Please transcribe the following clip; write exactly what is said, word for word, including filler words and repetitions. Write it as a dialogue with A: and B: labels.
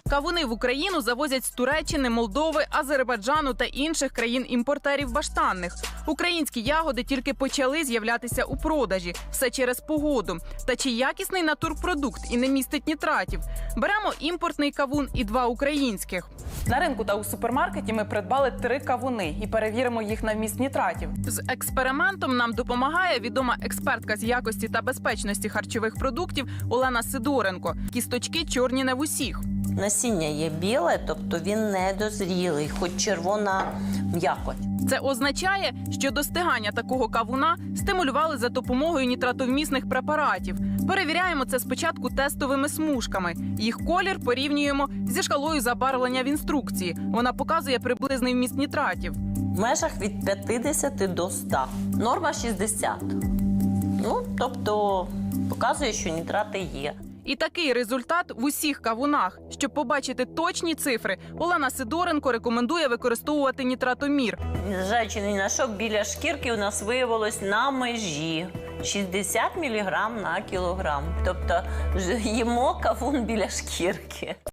A: Кавуни в Україну завозять з Туреччини, Молдови, Азербайджану та інших країн-імпортерів баштанних. Українські ягоди тільки почали з'являтися у продажі. Все через погоду. Та чи якісний натурпродукт і не містить нітратів? Беремо імпортний кавун і два українських. На ринку та у супермаркеті ми придбали три кавуни і перевіримо їх на вміст нітратів. З експериментом нам допомагає відома експертка з якості та безпечності харчових продуктів Олена Сидоренко. Кісточки чорні не в усіх.
B: Насіння є біле, тобто він недозрілий, хоч червона м'якоть.
A: Це означає, що достигання такого кавуна стимулювали за допомогою нітратовмісних препаратів. Перевіряємо це спочатку тестовими смужками. Їх колір порівнюємо зі шкалою забарвлення в інструкції. Вона показує приблизний вміст нітратів.
B: В межах від п'ятдесят до ста. Норма шістдесят. Ну, тобто показує, що нітрати є.
A: І такий результат в усіх кавунах. Щоб побачити точні цифри, Олена Сидоренко рекомендує використовувати нітратомір.
B: Незважаючи ні на що, біля шкірки у нас виявилось на межі шістдесят міліграм на кілограм. Тобто їмо кавун біля шкірки.